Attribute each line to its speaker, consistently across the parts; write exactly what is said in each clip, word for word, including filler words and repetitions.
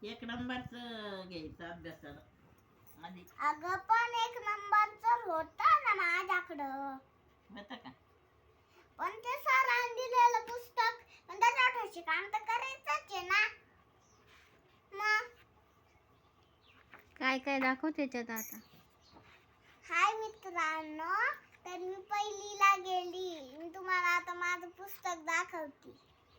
Speaker 1: एक नंबरचं घ्यायचं अभ्यासाला आधी.
Speaker 2: अगं पण एक नंबरचं होतं ना माझ्याकडं.
Speaker 1: होतं का?
Speaker 2: पण ते सरांनी दिलेलं पुस्तक पण त्याच्यावर काम तर करायचंच आहे ना. मग
Speaker 3: काय काय दाखव त्याच्यात आता.
Speaker 2: हाय मित्रांनो, तर मी पहिलीला गेली. मी तुम्हाला आता माझं पुस्तक दाखवते.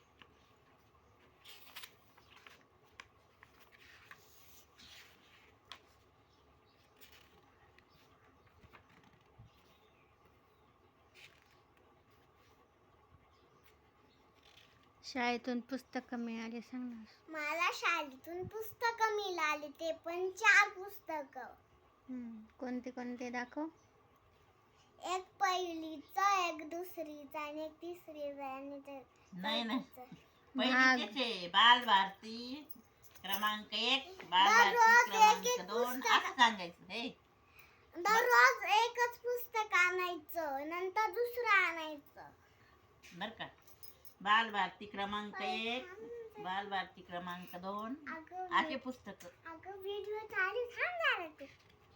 Speaker 3: शाळेतून पुस्तकं मिळाली सांग ना.
Speaker 2: मला शाळेतून पुस्तकं मिळाली, ते पण चार पुस्तकं.
Speaker 3: हम्म, कोणते कोणते दाखव.
Speaker 2: एक पहिलीचं, एक दुसरीचं आणि एक तिसरीचं आणि ते
Speaker 1: नाही नाही
Speaker 2: चौथीचं.
Speaker 1: पहिलीचेच आहे. बाल भारती क्रमांक एक, बाल
Speaker 2: दररोज
Speaker 1: भारती
Speaker 2: एक एक
Speaker 1: क्रमांक दोन
Speaker 2: पुस्तक.
Speaker 1: असं सांगायचं. हे
Speaker 2: दररोज एकच पुस्तक आणायचं, नंतर दुसरं आणायचं.
Speaker 1: बर का. बाल भारती क्रमांक एक, बाल भारती क्रमांक दोन
Speaker 2: अगं
Speaker 1: असे पुस्तक.
Speaker 2: अगं व्हिडिओ चालू थांबणार तू.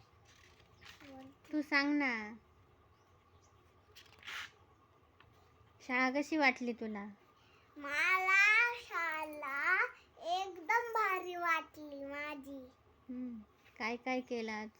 Speaker 3: तू सांग ना. शाळा कशी वाटली तुला.
Speaker 2: मला शाळा एकदम भारी वाटली माझी.
Speaker 3: हम्म, काय काय केलं आज.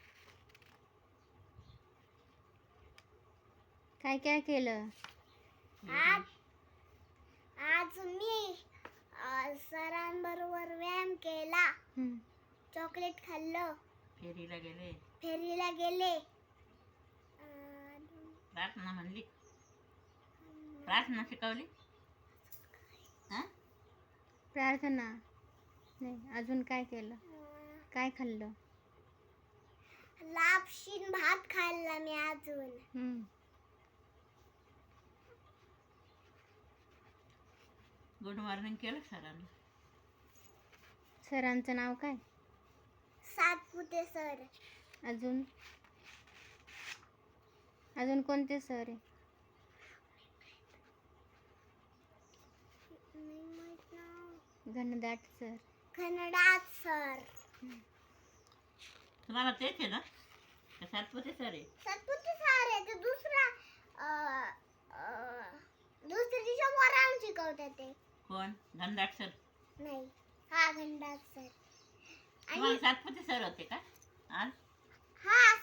Speaker 3: काय काय केलं.
Speaker 2: आज आज मी अ, सरांबरोबर व्यायाम केला,
Speaker 3: हम्म,
Speaker 2: चॉकलेट खाल्लं,
Speaker 1: फेरीला गेले,
Speaker 2: फेरीला गेले. अ,
Speaker 1: प्रार्थना म्हणली, प्रार्थना शिकवली. हा
Speaker 3: प्रार्थना नाही. अजून काय केलं. काय खाल्लं.
Speaker 2: लापशीन भात खाल्ला मी अजून.
Speaker 3: हम्म,
Speaker 1: गुड मॉर्निंग केलं सरांना.
Speaker 3: सरांचं नाव काय.
Speaker 2: सातपुते सर.
Speaker 3: अजून अजून कोणते सर आहे.
Speaker 2: नाही माहित नाव.
Speaker 3: घनदाट सर.
Speaker 2: खनडात सर.
Speaker 1: तुम्हाला तेच आहे ना का सातपुते सर आहे.
Speaker 2: सातपुते सर आहे ते दुसरा अ, अ, दुसरीच्या वरान शिकवतात ते.
Speaker 1: कोण. घनदाट सर.
Speaker 2: नाही, हा खंडात सर.
Speaker 1: तुम्हाला सातपुते सर होते का आज.
Speaker 2: हा